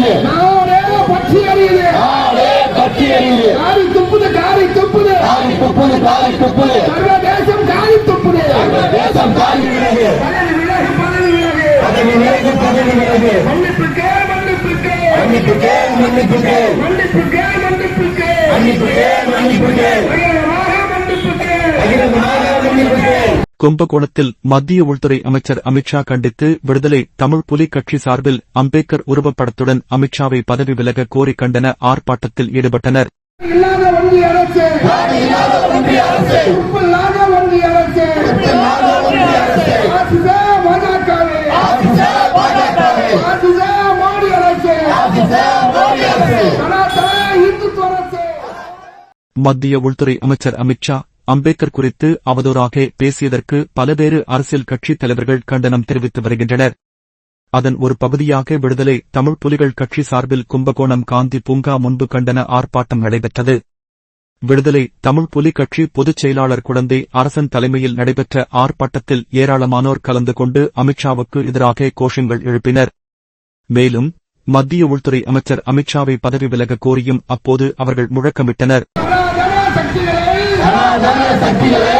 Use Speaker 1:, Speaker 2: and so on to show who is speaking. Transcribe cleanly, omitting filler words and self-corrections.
Speaker 1: எரியுது,
Speaker 2: நாடே பற்றி எரியுது,
Speaker 1: நாடே பற்றி எரியுது,
Speaker 2: காரி துப்புது, காரி துப்புது,
Speaker 1: காரி துப்புது, காரி துப்புது,
Speaker 2: சர்வதேசம் காரி துப்புது,
Speaker 1: தேசம் காரி விலகு,
Speaker 2: பதவி விலகு, பதவி விலகு,
Speaker 1: பதவி விலகு, பதவி விலகு,
Speaker 2: மன்னிப்புக்கே மன்னிப்புக்கே,
Speaker 1: மன்னிப்புக்கே மன்னிப்புக்கே,
Speaker 2: மன்னிப்புக்கே மன்னிப்புக்கே,
Speaker 1: மன்னிப்புக்கே மன்னிப்புக்கே,
Speaker 2: பகிரங்கமாக மன்னிப்புக்கே.
Speaker 1: பகிரங்கமாக மன்னிப்புக்கே.
Speaker 3: கும்பகோணத்தில் மத்திய உள்துறை அமைச்சர் அமித்ஷா கண்டித்து விடுதலை தமிழ் புலி கட்சி சார்பில் அம்பேத்கர் உருவப்படத்துடன் அமித்ஷாவை பதவி விலக கோரி கண்டன ஆர்ப்பாட்டத்தில் ஈடுபட்டனர்.
Speaker 2: இல்லாத ஒன்றிய அரசு,
Speaker 1: இல்லாத ஒன்றிய அரசு,
Speaker 2: உப்பில்லாத ஒன்றிய அரசு,
Speaker 1: இல்லாத ஒன்றிய அரசு,
Speaker 2: ஆசிச பாஜகவே,
Speaker 1: ஆசிச பாஜகவே,
Speaker 2: ஆசிச மோடி அரசு,
Speaker 1: ஆசிச மோடி அரசு,
Speaker 2: சனாதன இந்துத்துவ அரசு.
Speaker 3: மத்திய உள்துறை அமைச்சர் அமித்ஷா அம்பேத்கர் குறித்து அவதூறாக பேசியதற்கு பல்வேறு அரசியல் கட்சித் தலைவர்கள் கண்டனம் தெரிவித்து வருகின்றனர். அதன் ஒரு பகுதியாக விடுதலை தமிழ் புலிகள் கட்சி சார்பில் கும்பகோணம் காந்தி பூங்கா முன்பு கண்டன ஆர்ப்பாட்டம் நடைபெற்றது. விடுதலை தமிழ் புலி கட்சி பொதுச் செயலாளர் குழந்தை அரசன் தலைமையில் நடைபெற்ற ஆர்ப்பாட்டத்தில் ஏராளமானோர் கலந்து கொண்டு அமித்ஷாவுக்கு எதிராக கோஷங்கள் எழுப்பினர். மேலும் மத்திய உள்துறை அமைச்சர் அமித்ஷாவை பதவி விலக கோரியும் அப்போது அவர்கள் முழக்கமிட்டனர்.
Speaker 2: சனாதன சக்திகளை,
Speaker 1: சனாதன சக்திகளை